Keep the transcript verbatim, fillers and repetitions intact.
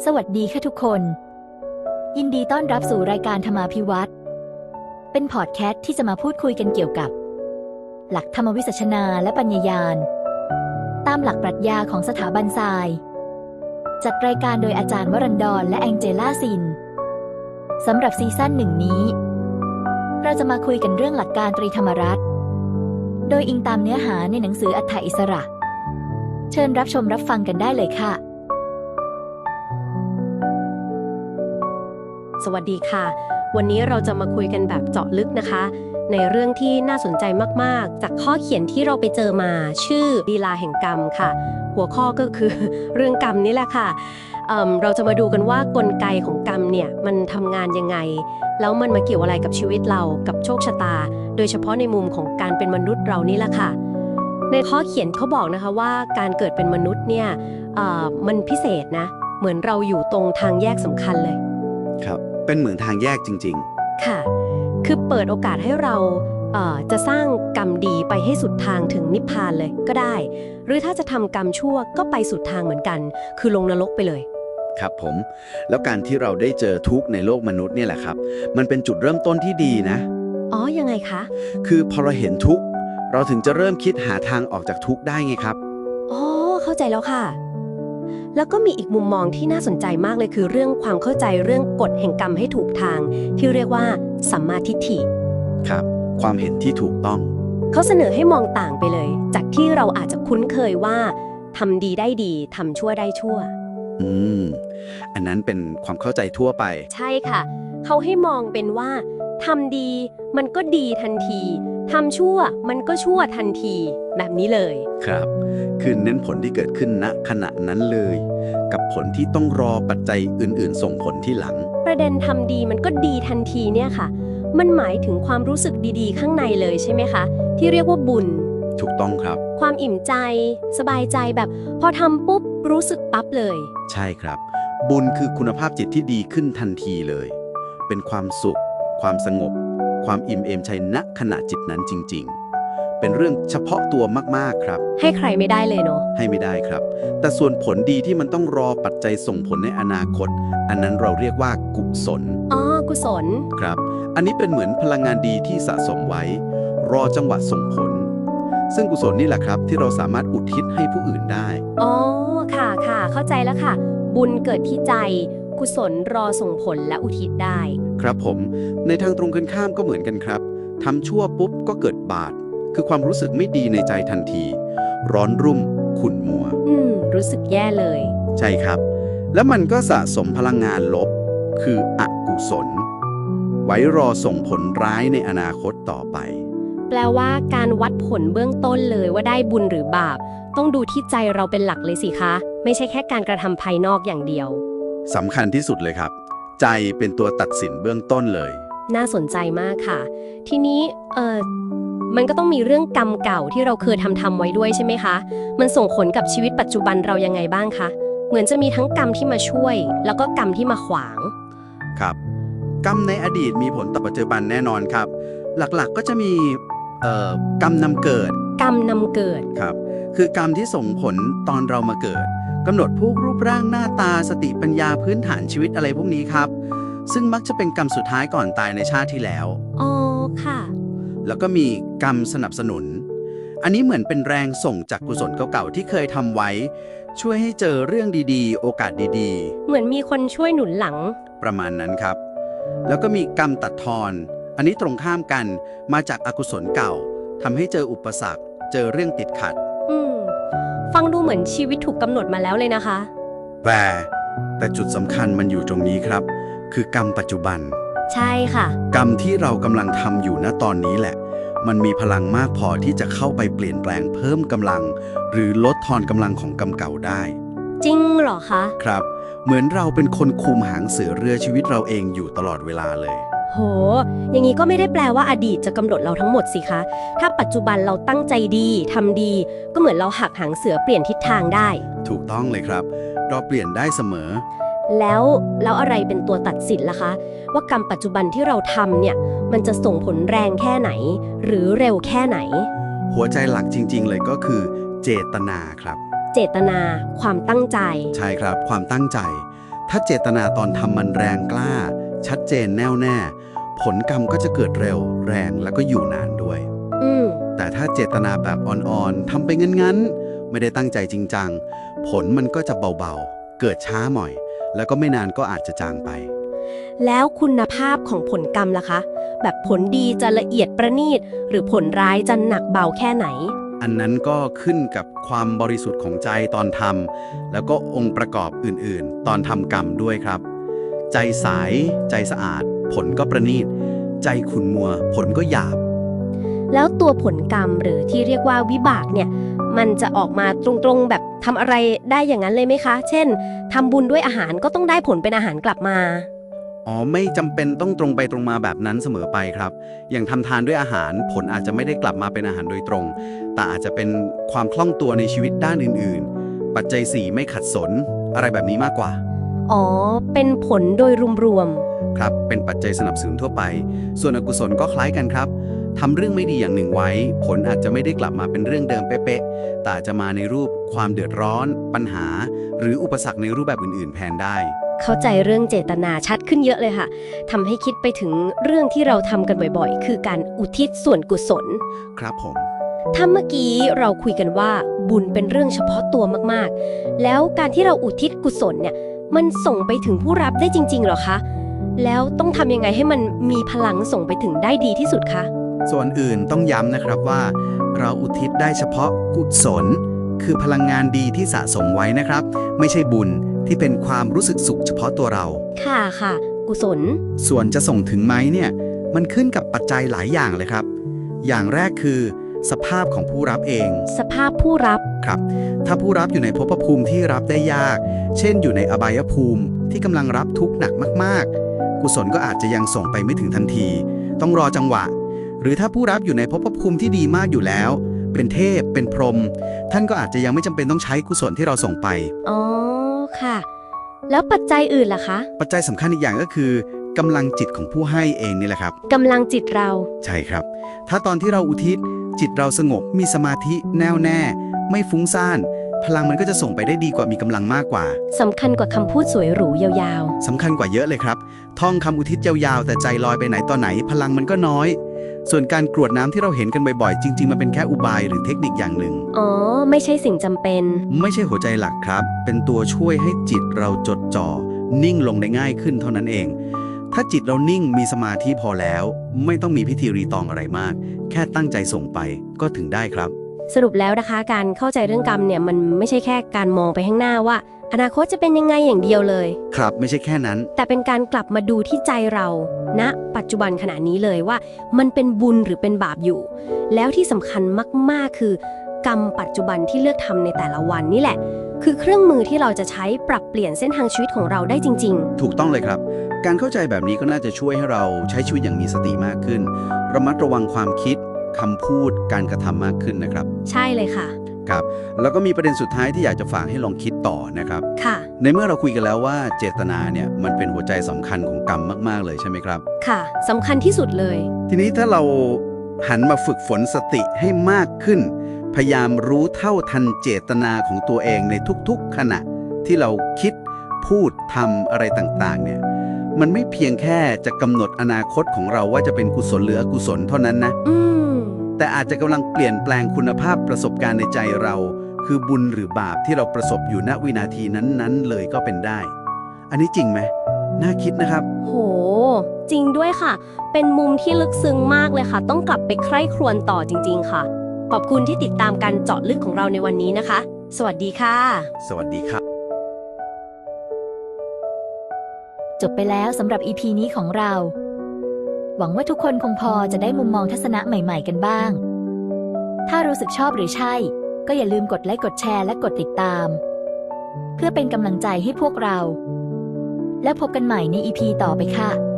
สวัสดีค่ะทุกคน ยินดีต้อนรับสู่รายการธรรมาภิวัตน์เป็นพอดแคสต์ที่จะมาพูดคุยกันเกี่ยวกับ หลักธรรมวิสัชนาและปัญญายาณตามหลักปรัชญาของสถาบันทรายจัดรายการโดยอาจารย์วรันดรและแองเจล่าซินสำหรับซีซั่นหนึ่งนี้เราจะมาคุยกันเรื่องหลักการตรีธรรมรัตน์โดยอิงตามเนื้อหาในหนังสืออัฏฐอิสระเชิญรับชมรับฟังกันได้เลยค่ะสวัสดีค่ะวันนี้เราจะมาคุยกันแบบเจาะลึกนะคะในเรื่องที่น่าสนใจมากๆจากข้อเขียนที่เราไปเจอมาชื่อลีลาแห่งกรรมค่ะหัวข้อก็คือ เรื่องกรรมนี่แหละค่ะ เอ่อ เราจะมาดูกันว่ากลไกของกรรมเนี่ยมันทำงานยังไงแล้วมันมาเกี่ยวอะไรกับชีวิตเรากับโชคชะตาโดยเฉพาะในมุมของการเป็นมนุษย์เรานี่แหละค่ะในข้อเขียนเขาบอกนะคะว่าการเกิดเป็นมนุษย์เนี่ยเอ่อมันพิเศษนะเหมือนเราอยู่ตรงทางแยกสำคัญเลยครับเป็นเหมือนทางแยกจริงๆค่ะคือเปิดโอกาสให้เราเอ่อจะสร้างกรรมดีไปให้สุดทางถึงนิพพานเลยก็ได้หรือถ้าจะทำกรรมชั่วก็ไปสุดทางเหมือนกันคือลงนรกไปเลยครับผมแล้วการที่เราได้เจอทุกข์ในโลกมนุษย์เนี่ยแหละครับมันเป็นจุดเริ่มต้นที่ดีนะอ๋อยังไงคะคือพอเราเห็นทุกข์เราถึงจะเริ่มคิดหาทางออกจากทุกข์ได้ไงครับอ๋อเข้าใจแล้วค่ะแล้วก็มีอีกมุมมองที่น่าสนใจมากเลยคือเรื่องความเข้าใจเรื่องกฎแห่งกรรมให้ถูกทางที่เรียกว่าสัมมาทิฏฐิครับความเห็นที่ถูกต้องเขาเสนอให้มองต่างไปเลยจากที่เราอาจจะคุ้นเคยว่าทำดีได้ดีทำชั่วได้ชั่วอืมอันนั้นเป็นความเข้าใจทั่วไปใช่ค่ะเขาให้มองเป็นว่าทำดีมันก็ดีทันทีทำชั่วมันก็ชั่วทันทีแบบนี้เลยครับคือเน้นผลที่เกิดขึ้นณขณะนั้นเลยกับผลที่ต้องรอปัจจัยอื่นๆส่งผลที่หลังประเด็นทำดีมันก็ดีทันทีเนี่ยค่ะมันหมายถึงความรู้สึกดีๆข้างในเลยใช่ไหมคะที่เรียกว่าบุญถูกต้องครับความอิ่มใจสบายใจแบบพอทำปุ๊บรู้สึกปั๊บเลยใช่ครับบุญคือคุณภาพจิตที่ดีขึ้นทันทีเลยเป็นความสุขความสงบความอิ่มเอมใจณขณะจิตนั้นจริงๆเป็นเรื่องเฉพาะตัวมากๆครับให้ใครไม่ได้เลยเนาะให้ไม่ได้ครับแต่ส่วนผลดีที่มันต้องรอปัจจัยส่งผลในอนาคตอันนั้นเราเรียกว่ากุศลอ๋อกุศลครับอันนี้เป็นเหมือนพลังงานดีที่สะสมไว้รอจังหวะส่งผลซึ่งกุศลนี่แหละครับที่เราสามารถอุทิศให้ผู้อื่นได้อ๋อค่ะค่ะเข้าใจแล้วค่ะบุญเกิดที่ใจกุศลรอส่งผลและอุทิศได้ครับผมในทางตรงกันข้ามก็เหมือนกันครับทำชั่วปุ๊บก็เกิดบาปคือความรู้สึกไม่ดีในใจทันทีร้อนรุ่มขุ่นมัวอืมรู้สึกแย่เลยใช่ครับแล้วมันก็สะสมพลังงานลบคืออกุศลไว้รอส่งผลร้ายในอนาคตต่อไปแปลว่าการวัดผลเบื้องต้นเลยว่าได้บุญหรือบาปต้องดูที่ใจเราเป็นหลักเลยสิคะไม่ใช่แค่การกระทำภายนอกอย่างเดียวสำคัญที่สุดเลยครับใจเป็นตัวตัดสินเบื้องต้นเลยน่าสนใจมากค่ะทีนี้เออมันก็ต้องมีเรื่องกรรมเก่าที่เราเคยทำทำไว้ด้วยใช่ไหมคะมันส่งผลกับชีวิตปัจจุบันเรายังไงบ้างคะเหมือนจะมีทั้งกรรมที่มาช่วยแล้วก็กรรมที่มาขวางครับกรรมในอดีตมีผลต่อปัจจุบันแน่นอนครับหลักๆก็จะมีเอ่อกรรมนำเกิดกรรมนำเกิดครับคือกรรมที่ส่งผลตอนเรามาเกิดกำหนดพวกรูปร่างหน้าตาสติปัญญาพื้นฐานชีวิตอะไรพวกนี้ครับซึ่งมักจะเป็นกรรมสุดท้ายก่อนตายในชาติที่แล้วอ๋อค่ะแล้วก็มีกรรมสนับสนุนอันนี้เหมือนเป็นแรงส่งจากกุศลเก่าๆที่เคยทำไว้ช่วยให้เจอเรื่องดีๆโอกาสดีๆเหมือนมีคนช่วยหนุนหลังประมาณนั้นครับแล้วก็มีกรรมตัดทอนอันนี้ตรงข้ามกันมาจากอกุศลเก่าทำให้เจออุปสรรคเจอเรื่องติดขัดอืมฟังดูเหมือนชีวิตถูกกำหนดมาแล้วเลยนะคะแต่แต่จุดสำคัญมันอยู่ตรงนี้ครับคือกรรมปัจจุบันใช่ค่ะกรรมที่เรากำลังทำอยู่ณตอนนี้แหละมันมีพลังมากพอที่จะเข้าไปเปลี่ยนแปลงเพิ่มกำลังหรือลดทอนกำลังของกรรมเก่าได้จริงเหรอคะครับเหมือนเราเป็นคนคุมหางเสือเรือชีวิตเราเองอยู่ตลอดเวลาเลยโหอย่างนี้ก็ไม่ได้แปลว่าอดีตจะกำหนดเราทั้งหมดสิคะถ้าปัจจุบันเราตั้งใจดีทำดีก็เหมือนเราหักหางเสือเปลี่ยนทิศทางได้ถูกต้องเลยครับเราเปลี่ยนได้เสมอแล้วแล้วอะไรเป็นตัวตัดสินล่ะคะว่ากรรมปัจจุบันที่เราทำเนี่ยมันจะส่งผลแรงแค่ไหนหรือเร็วแค่ไหนหัวใจหลักจริงๆเลยก็คือเจตนาครับเจตนาความตั้งใจใช่ครับความตั้งใจ ถถ้าเจตนาตอนทำมันแรงกล้า ชัดเจนแน่วแน่ ผลกรรมก็จะเกิดเร็วแรงแล้วก็อยู่นานด้วยอืมแต่ถ้าเจตนาแบบอ่อนๆทำไปงั้นๆไม่ได้ตั้งใจจริงจังผลมันก็จะเบาๆ เกิดช้าหน่อย แล้วก็ไม่นานก็อาจจะจางไปแล้วคุณภาพของผลกรรมล่ะคะ แบบผลดีจะละเอียดประณีตหรือผลร้ายจะหนักเบาแค่ไหนอันนั้นก็ขึ้นกับความบริสุทธิ์ของใจตอนทำแล้วก็องค์ประกอบอื่นๆ ตอนทำกรรมด้วยครับ ใจใสใจสะอาด ผลก็ประณีตใจขุ่นมัว ผลก็หยาบแล้วตัวผลกรรมหรือที่เรียกว่าวิบากเนี่ย มันจะออกมาตรงๆแบบทำอะไรได้อย่างนั้นเลยไหมคะ เช่นทำบุญด้วยอาหารก็ต้องได้ผลเป็นอาหารกลับมาอ๋อไม่จำเป็นต้องตรงไปตรงมาแบบนั้นเสมอไปครับ อย่างทำทานด้วยอาหารผลอาจจะไม่ได้กลับมาเป็นอาหารโดยตรง แต่อาจจะเป็นความคล่องตัวในชีวิตด้านอื่นๆ ปัจจัยสี่ไม่ขัดสนอะไรแบบนี้มากกว่าอ๋อ เป็นผลโดยรวมครับ เป็นปัจจัยสนับสนุนทั่วไป ส่วนอกุศลก็คล้ายกันครับทำเรื่องไม่ดีอย่างหนึ่งไว้ ผลอาจจะไม่ได้กลับมาเป็นเรื่องเดิมเป๊ะๆแต่อาจจะมาในรูปความเดือดร้อน ปัญหา หรืออุปสรรคในรูปแบบอื่นๆแทนได้ๆ เข้าใจเรื่องเจตนาชัดขึ้นเยอะเลยค่ะทำให้คิดไปถึงเรื่องที่เราทำกันบ่อยๆ คือการอุทิศส่วนกุศลครับผมถ้าเมื่อกี้เราคุยกันว่าบุญเป็นเรื่องเฉพาะตัวมากๆ แล้วการที่เราอุทิศกุศลเนี่ยมันส่งไปถึงผู้รับได้จริงๆหรอคะ แล้วต้องทำยังไงให้มันมีพลังส่งไปถึงได้ดีที่สุดคะส่วนอื่นต้องย้ำนะครับว่า เราอุทิศได้เฉพาะกุศล คือพลังงานดีที่สะสมไว้นะครับ ไม่ใช่บุญที่เป็นความรู้สึกสุขเฉพาะตัวเราค่ะค่ะ กุศลส่วนจะส่งถึงไหมเนี่ยมันขึ้นกับปัจจัยหลายอย่างเลยครับ อย่างแรกคือ สภาพของผู้รับเองสภาพผู้รับครับ ถ้าผู้รับอยู่ในภพภูมิที่รับได้ยาก เช่นอยู่ในอบายภูมิที่กำลังรับทุกข์หนักมากๆ กุศลก็อาจจะยังส่งไปไม่ถึงทันที ต้องรอจังหวะ หรือถ้าผู้รับอยู่ในภพภูมิที่ดีมากอยู่แล้ว เป็นเทพ เป็นพรหม ท่านก็อาจจะยังไม่จำเป็นต้องใช้กุศลที่เราส่งไปอ๋อค่ะ แล้วปัจจัยอื่นล่ะคะปัจจัยสำคัญอีกอย่างก็คือกำลังจิตของผู้ให้เองนี่แหละครับกำลังจิตเราใช่ครับ ถ้าตอนที่เราอุทิศจิตเราสงบมีสมาธิแน่วแน่ ไม่ฟุ้งซ่าน พลังมันก็จะส่งไปได้ดีกว่ามีกำลังมากกว่าสำคัญกว่าคำพูดสวยหรูยาวสำคัญกว่าเยอะเลยครับ ท่องคำอุทิศยาวๆ แต่ใจลอยไปไหนต่อไหน พลังมันก็น้อย ส่วนการกรวดน้ำที่เราเห็นกันบ่อยๆ จริงๆ มันเป็นแค่อุบายหรือเทคนิคอย่างหนึ่งๆ อ๋อ ไม่ใช่สิ่งจำเป็นไม่ใช่หัวใจหลักครับ เป็นตัวช่วยให้จิตเราจดจ่อ นิ่งลงได้ง่ายขึ้นเท่านั้นเอง ถ้าจิตเรานิ่งมีสมาธิพอแล้ว ไม่ต้องมีพิธีรีตองอะไรมาก แค่ตั้งใจส่งไปก็ถึงได้ครับสรุปแล้วนะคะ การเข้าใจเรื่องกรรมเนี่ยมันไม่ใช่แค่การมองไปข้างหน้าว่า อนาคตจะเป็นยังไงอย่างเดียวเลยครับ ไม่ใช่แค่นั้นแต่เป็นการกลับมาดูที่ใจเราณนะปัจจุบันขณะนี้เลยว่า มันเป็นบุญหรือเป็นบาปอยู่ แล้วที่สำคัญมากๆ คือกรรมปัจจุบันที่เลือกทำในแต่ละวันนี่แหละ คือเครื่องมือที่เราจะใช้ปรับเปลี่ยนเส้นทางชีวิตของเราได้จริงถูกต้องเลยครับ การเข้าใจแบบนี้ก็น่าจะช่วยให้เราใช้ชีวิตอย่างมีสติมากขึ้น ระมัดระวังความคิดคำพูดการกระทำมากขึ้นนะครับๆ ใช่เลยค่ะครับ แล้วก็มีประเด็นสุดท้ายที่อยากจะฝากให้ลองคิดต่อนะครับค่ะในเมื่อเราคุยกันแล้วว่าเจตนาเนี่ยมันเป็นหัวใจสำคัญของกรรมมากๆเลยใช่ไหมครับค่ะสำคัญที่สุดเลยทีนี้ถ้าเราหันมาฝึกฝนสติให้มากขึ้น พยายามรู้เท่าทันเจตนาของตัวเองในทุกๆขณะที่เราคิดพูดทำอะไรต่างๆเนี่ยมันไม่เพียงแค่จะกำหนดอนาคตของเราว่าจะเป็นกุศลหรืออกุศลเท่านั้นนะอืมแต่อาจจะกำลังเปลี่ยนแปลงคุณภาพประสบการณ์ในใจเรา คือบุญหรือบาปที่เราประสบอยู่ณวินาทีนั้นๆเลยก็เป็นได้ อันนี้จริงไหมน่าคิดนะครับโห จริงด้วยค่ะ เป็นมุมที่ลึกซึ้งมากเลยค่ะ ต้องกลับไปใคร่ครวญต่อจริงๆค่ะ ขอบคุณที่ติดตามการเจาะลึกของเราในวันนี้นะคะ สวัสดีค่ะสวัสดีครับจบไปแล้วสำหรับ อี พี นี้ของเรา หวังว่าทุกคนคงพอจะได้มุมมองทัศนะใหม่ๆกันบ้าง ถ้ารู้สึกชอบหรือใช่ ก็อย่าลืมกดไลค์กดแชร์และกดติดตาม เพื่อเป็นกำลังใจให้พวกเรา แล้วพบกันใหม่ใน อี พี ต่อไปค่ะ